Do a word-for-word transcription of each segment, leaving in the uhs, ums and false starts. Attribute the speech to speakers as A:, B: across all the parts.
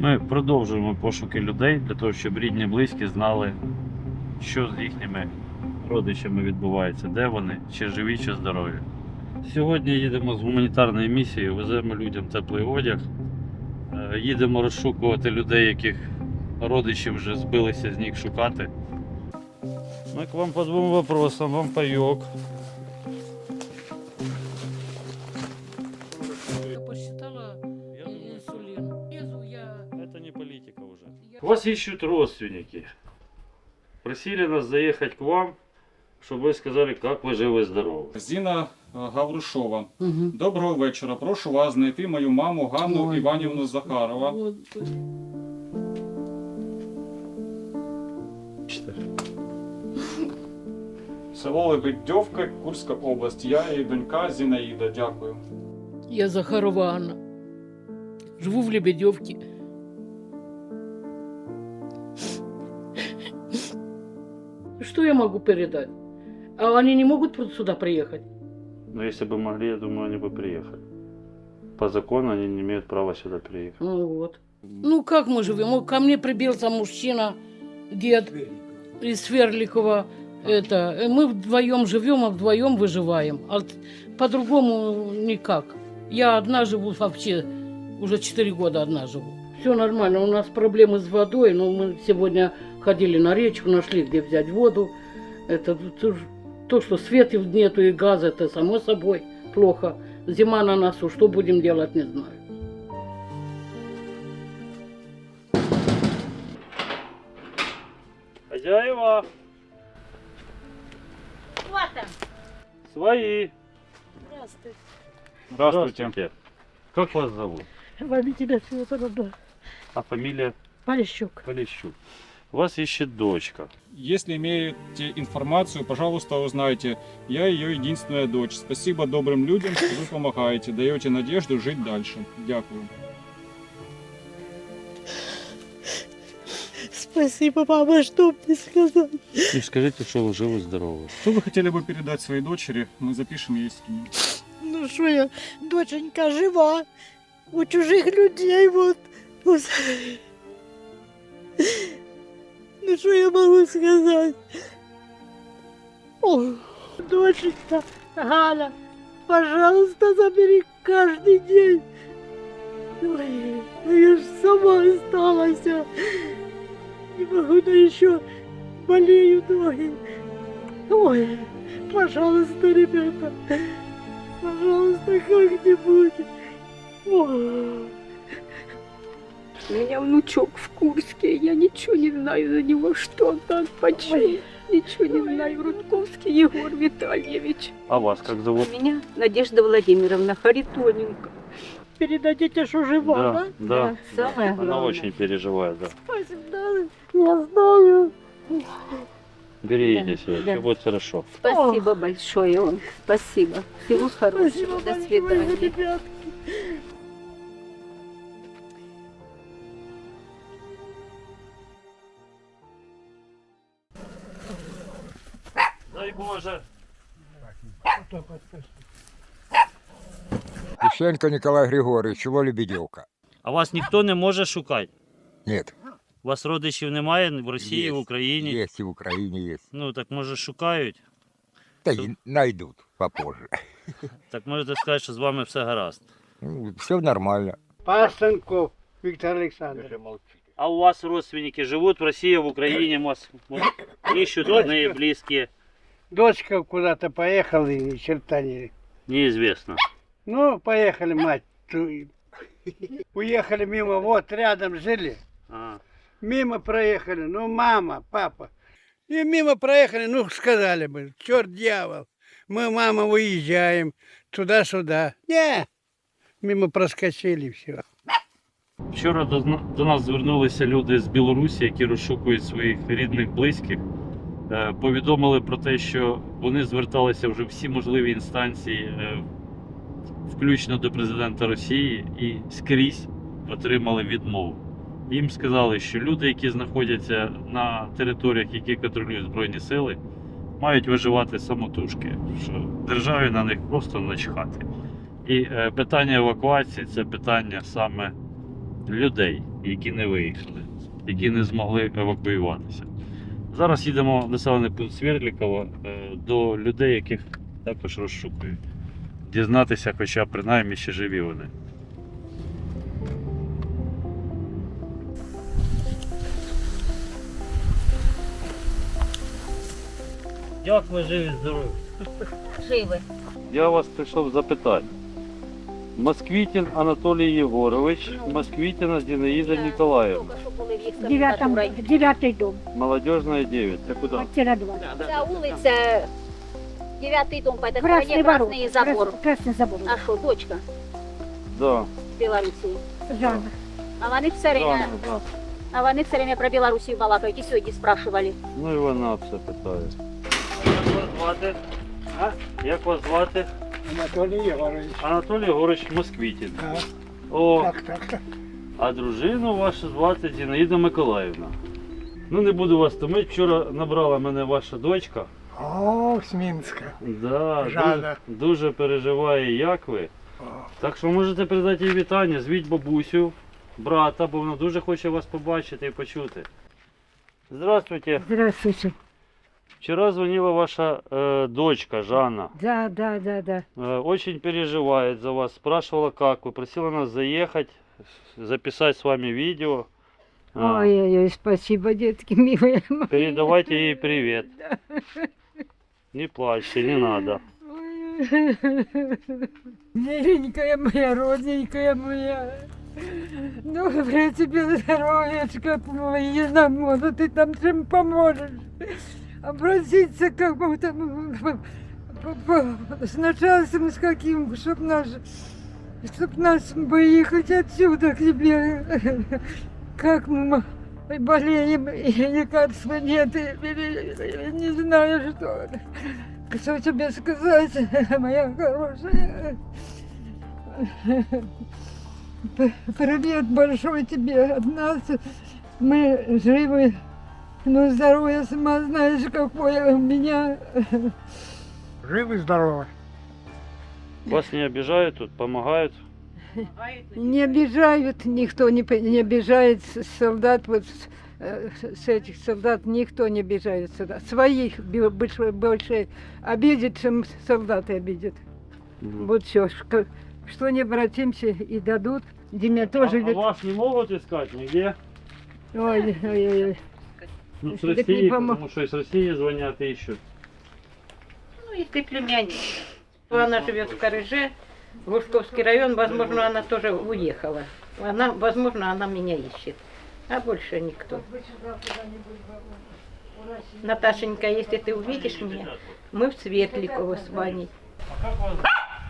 A: Ми продовжуємо пошуки людей для того, щоб рідні близькі знали, що з їхніми родичами відбувається, де вони, чи живі, чи здорові. Сьогодні їдемо з гуманітарною місією, веземо людям теплий одяг, їдемо розшукувати людей, яких родичі вже збилися з ніг шукати. Ми к вам по двом вопросам, вам пайок.
B: Я посчитала инсулин. Лезу я.
A: Это не политика уже. Вас ищут родственники. Просили нас заехать к вам, чтобы вы сказали, как вы живы-здоровы.
C: Зіна Гаврушова.
B: Угу.
C: Доброго вечора. Прошу вас знайти мою маму Ганну
B: Ой,
C: Іванівну Захарова.
B: Господи.
C: Село Лебедьовка, Курська область. Я і донька Зінаїда. Дякую.
B: Я Захарова Анна. Живу в Лебедевке. Что я могу передать? А они не могут сюда приехать?
A: Но если бы могли, я думаю, они бы приехали. По закону они не имеют права сюда приехать.
B: Ну вот. Ну как мы живем? Ко мне прибился мужчина, дед из Сверликова. Это, мы вдвоем живем, а вдвоем выживаем. А по-другому никак. Я одна живу вообще, уже четыре года одна живу. Все нормально, у нас проблемы с водой, но мы сегодня ходили на речку, нашли, где взять воду. Это то, что света нету и газа, это само собой плохо. Зима на носу, что будем делать, не знаю.
A: Хозяева!
D: Вот там.
A: Свои!
D: Здравствуйте.
A: Здравствуйте. Как вас зовут?
D: Валентина Федоровна.
A: А фамилия?
D: Полищук.
A: Полищук. Вас ищет дочка.
C: Если имеете информацию, пожалуйста, узнайте. Я ее единственная дочь. Спасибо добрым людям, что вы помогаете, даете надежду жить дальше. Дякую.
D: Спасибо, мама, что мне сказать?
A: И скажите, что вы живы-здоровы.
C: Что вы хотели бы передать своей дочери? Мы запишем ей скинем.
D: Ну что я, доченька жива, у чужих людей вот. Вот. Ну что я могу сказать? О, доченька, Галя, пожалуйста, забери каждый день. Ой, ну я ж сама осталась. Не могу, да еще болеют ноги. Ой, пожалуйста, ребята, пожалуйста, как-нибудь. Ой.
E: У меня внучок в Курске, я ничего не знаю за него, что он там, почему. Ничего не знаю. Рудковский Егор Витальевич.
A: А вас как зовут?
E: У меня Надежда Владимировна Харитоненко.
D: Передадите, что жива, да?
A: Да, да.
E: Самое
A: Она
E: главное.
A: очень переживает, да.
D: Спасибо, я знаю.
A: Берегите
E: Да,
A: себя,
E: да.
A: все будет хорошо.
E: Спасибо большое вам. Спасибо. Всего хорошего.
D: Спасибо
E: До
D: большое,
E: свидания.
D: ребятки.
A: Дай Боже.
F: Лещенко Николай Григорьевич, село Лебедевка.
A: А вас ніхто не може шукати?
F: Нет.
A: У вас родичів немає в Росії, в Україні?
F: Есть и в Украине есть.
A: Ну, так може шукають?
F: Да и найдут попозже.
A: Так можете сказати, що з вами все гаразд.
F: Ну, все нормально.
G: Пасенков Виктор Александрович.
A: А у вас родственники живут в России, в Украине, вас вот, ищут родные, близкие?
G: Дочка куда-то поехала и ни черта не...
A: Неизвестно.
G: Ну, поехали, мать. ту- Уехали мимо, вот рядом жили.
A: А,
G: Мимо проехали, ну мама, папа. И мимо проехали, ну сказали бы, черт дьявол. Мы, мама, уезжаем туда-сюда. Не, мимо проскочили все.
A: Вчора до, зна- до нас звернулися люди з Білорусі, які розшукують своїх рідних, близьких. Е, Повідомили про те, що вони зверталися вже всі можливі інстанції, е, включно до президента Росії, і скрізь отримали відмову. Їм сказали, що люди, які знаходяться на територіях, які контролюють Збройні сили, мають виживати самотужки, що державі на них просто начхати. І е, питання евакуації – це питання саме людей, які не виїхали, які не змогли евакуюватися. Зараз їдемо в населений пункт Свердлікова е, до людей, яких також розшукують. Дізнатися, хоча принаймні ще живі вони. Як ви живі здорові?
H: Живы.
A: Я вас прийшов запитати. Москвитін Анатолій Єгорович, Москвитіна Зінаїда Ніколаївна.
H: Только что були в їх
D: Девятом,
H: комендатурі.
D: девятый дом.
A: Молодежная девять. Це куди?
D: Квартира два.
H: Ця вулиця, дев'ятий дом, по этой
D: Красный
H: стороне
D: ворот.
H: красный забор.
D: Крас- Красный забор.
H: А що, дочка
A: Да.
H: з Білорусі?
D: Жанна.
H: А вони все время,
A: Жанна, да.
H: а вони все время про Білорусію балакають і сьогодні спрашивали.
A: Ну і вона все питає. Як вас звати? А? Як вас звати?
G: Анатолий Егорович.
A: Анатолій Єгорович Москвитін.
G: Да.
A: О,
G: Так, так, так.
A: а дружину вашу звати Зінаїда Миколаївна. Ну не буду вас томити. Вчора набрала мене ваша дочка.
G: О, с Минска.
A: Да,
G: Жанна.
A: дуже, дуже переживає, як ви.
G: О.
A: Так що можете передати їй вітання, звіть бабусю, брата, бо вона дуже хоче вас побачити і почути. Здравствуйте.
D: Здравствуйте.
A: Вчера звонила ваша э, дочка Жанна.
D: Да, да, да, да.
A: Э, очень переживает за вас. Спрашивала, как вы. Просила нас заехать, записать с вами видео. А,
D: Ой-ой-ой, спасибо, детки милые.
A: передавайте ей привет. Не плачьте, не надо.
D: Ой. Миленькая моя, родненькая моя. Доброе тебе здоровьечко, помоги нам, может, ты там чем поможешь. Обратиться к кому-то с начальством, с каким, чтоб наш, чтоб нас выехать отсюда к тебе. Как мы болеем, и лекарства нет, и, и, и не знаю, что. Что тебе сказать, моя хорошая. П- Привет большой тебе от нас. Мы живы, но здоровье сама знаешь, какое у меня.
G: Живы, здоровы.
A: Вас не обижают тут, помогают?
D: Не обижают, никто не, п- не обижает с- солдат, вот с, э, с этих солдат никто не обижает сюда. Своих бе- больше, больше обидят, чем солдаты обидят.
A: Мгм.
D: Вот все, что не обратимся и дадут. Диме
A: А,
D: тоже...
A: а
D: идет.
A: вас не могут искать нигде?
D: Ой, ой, ой, ой.
A: Ну, с
D: Так не
A: России,
D: помо-
A: потому что из России звонят и ищут.
B: Ну, если племянник. Она живет в Корыже, Лужковский район, возможно, она тоже уехала. Она, возможно, она меня ищет. А больше никто. Наташенька, если ты увидишь меня, мы в Светликово с Ваней.
A: А как вас...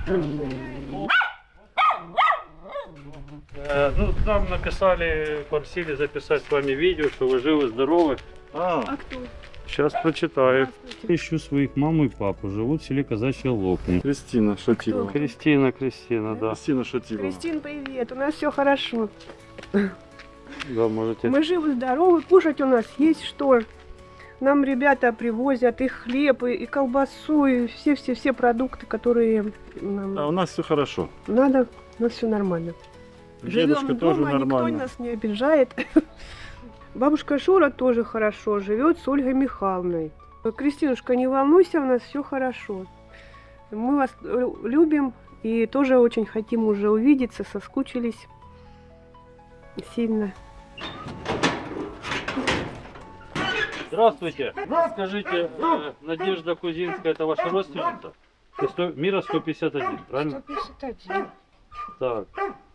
A: Э, ну, нам написали, просили записать с вами видео, что вы живы, здоровы. А,
E: кто?
A: Сейчас прочитаю. Ищу своих маму и папу. Живут в селе Казачья Лопни.
C: Кристина Шатилова.
A: Кристина, Кристина, да.
C: Кристина Шатилова.
I: Кристин, привет. У нас все хорошо.
A: Да, можете.
I: Мы живы, здоровы. Кушать у нас есть что. Нам ребята привозят и хлеб, и, и колбасу, и все-все-все продукты, которые нам
C: А у нас все хорошо.
I: надо. У нас все нормально.
C: Дедушка
I: Живем
C: тоже
I: дома, никто
C: нормально.
I: нас не обижает. Бабушка Шура тоже хорошо живет с Ольгой Михайловной. Кристинушка, не волнуйся, у нас все хорошо. Мы вас э, любим и тоже очень хотим уже увидеться, соскучились сильно.
A: Здравствуйте. Скажите, э, Надежда Кузинская, это ваша родственница? Ты сто- Мира сто пятьдесят один, правильно? Так.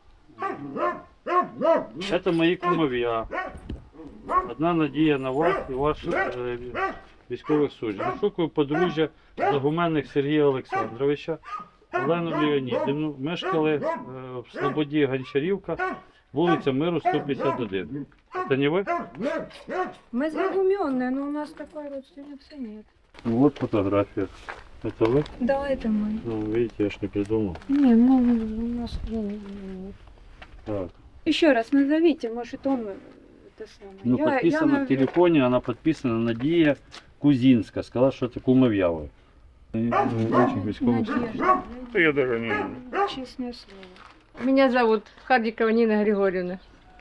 A: Это мои кумовья. Одна надія на вас і ваших е, військових суддів. Шукаю подружжя Загуменних Сергія Олександровича, Олену Леонідівну. Мешкали е, в Слободі Гончарівка, вулиця Миру сто п'ятдесят один. Це не ви?
D: Мы загуменные, но у нас такой родственницы нет.
A: Ну, вот фотография. Это вы?
D: Да, это мы.
A: Ну, видите, я ж не придумал.
D: Не, ну у нас нет.
A: Так.
J: Еще раз назовите, может он это самое.
A: Ну,
J: Я-
A: подписано
J: я,
A: в телефоне, она подписана Надія Кузинська. Сказала, що це кумов'я ви. Очень військових суддів.
J: Надежда,
C: Я даже не...
J: честное слово.
D: Меня зовут Хардикова Нина Григорьевна.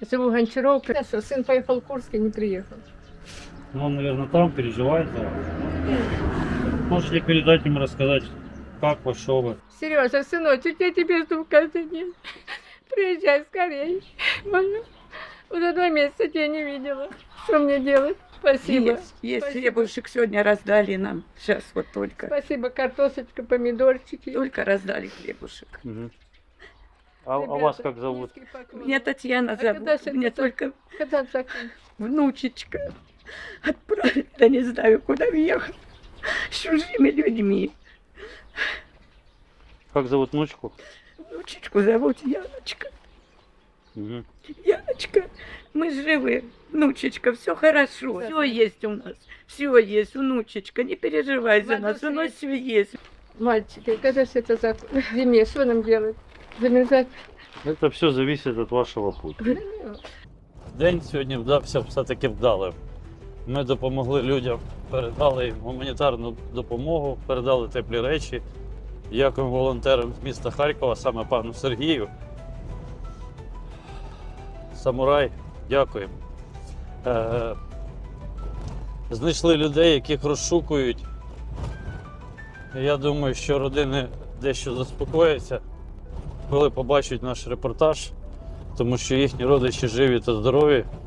I: Живу Гончаровка. Сын поехал в Курск и не приехал.
A: Ну, он, наверное, там переживает за вас. Можете передать ему, рассказать, как вы, что вы.
I: Сережа, сыночек, я тебе жду каждый день. Приезжай скорее. Молю. Уже два месяца тебя не видела. Что мне делать? Спасибо.
E: Есть, есть.
I: Спасибо.
E: Хлебушек сегодня раздали нам. Сейчас вот только.
I: Спасибо, картошечка, помидорчики.
E: Только раздали хлебушек.
A: Мгм. А, а вас как зовут?
E: Меня Татьяна
I: А когда
E: зовут.
I: же
E: Мне
I: это-
E: только
I: Когда закон?
E: внучечка отправили, да не знаю, куда въехать. С чужими людьми.
A: Как зовут внучку?
E: Внучечку зовут Яночка.
A: Мгм.
E: Яночка, мы живы. Внучечка, все хорошо. Все есть у нас. Все есть, внучечка. Не переживай за нас. У нас все есть.
I: Мальчики, когда же это закон? В зиме, что нам делать? Замерзать?
A: Это все зависит від вашого пути. День сьогодні вдався все-таки вдалим. Ми допомогли людям, передали їм гуманітарну допомогу, передали теплі речі. Дякуємо волонтерам з міста Харкова, саме пану Сергію. Самурай, дякуємо. Е, знайшли людей, яких розшукують. Я думаю, що родини дещо заспокояться, коли побачать наш репортаж, тому що їхні родичі живі та здорові.